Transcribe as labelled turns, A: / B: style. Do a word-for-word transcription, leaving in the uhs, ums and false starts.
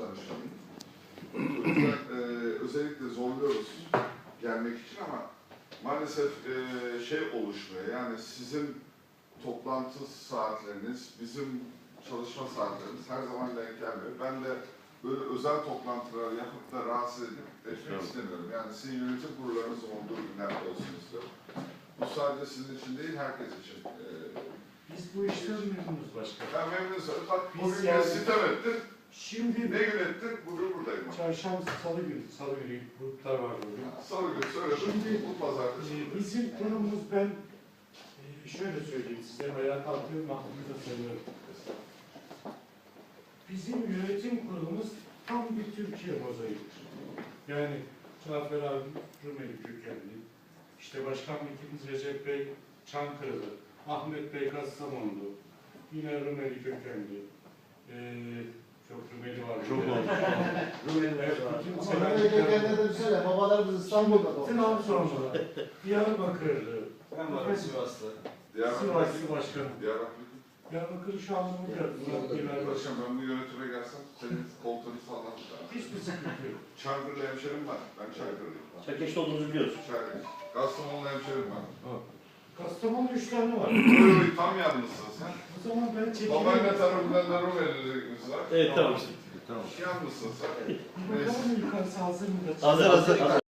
A: danışmanıyım. O yüzden e, özellikle zorluyoruz gelmek için ama maalesef e, şey oluşmuyor. Yani sizin toplantı saatleriniz, bizim çalışma saatlerimiz her zaman denk gelmiyor. Ben de böyle özel toplantılar yapıp da rahatsız edip etmek evet. istemiyorum. Yani sizin yönetim kurullarınızın olduğu günlerde olsun istiyorum. Bu sadece sizin için değil, herkes için. E,
B: Biz bu işten memnunuz başkanım.
A: Ben memnunum. Bak bugün yani, sitem ettin.
B: Şimdi
A: ne gün ettin? Bugün buradayım.
B: Çarşamba, salı günü, salı günü gruplar var bugün.
A: Salı günü söyledim. Şimdi bu pazartesi.
B: E, bizim konumuz ben e, şöyle söyleyeyim size veya kalkıyorum aklımda söylüyorum. Bizim yönetim kurulumuz tam bir Türkiye mozaiğidir. Yani Cafer abi Rumeli kökenli, işte Başkan Vekilimiz Recep Bey Çankırılı, Ahmet Bey Kastamonlu, yine Rumeli kökenli, ee, çok Rumeli var.
C: Çok oldu.
B: Rumeliler var.
D: Ama Rumeli kökenli de söyle, babalarımız İstanbul'da doğmuş.
B: Trabzonlu, Diyarbakırlı,
C: Ben varım Sivaslı.
B: Sivaslı başkanım.
A: Diyarbakır.
B: Diyarbakır'ı şu anda mı geldi?
A: Başkan ben bu yönetime gelsem senin koltuğunu sağlam.
B: Hiçbir sıkıntı yok.
A: Çankırı'da hemşerim var. Ben Çankırı'lıyım.
C: Çerkeş'te olduğunuzu biliyoruz.
A: Çankırı. Kastamonu'da hemşerim var.
B: Kastamonu üç tane var.
A: Öyle tam yalnızsın sen.
B: O zaman ben çekeyim.
A: Babaanne tarafından da Rumeli'liğimiz var.
C: Evet tamam işte. Tamam.
A: Yalnızsın sen.
B: Bir bakalım yukarısı hazır mı?
C: Hazır hazır.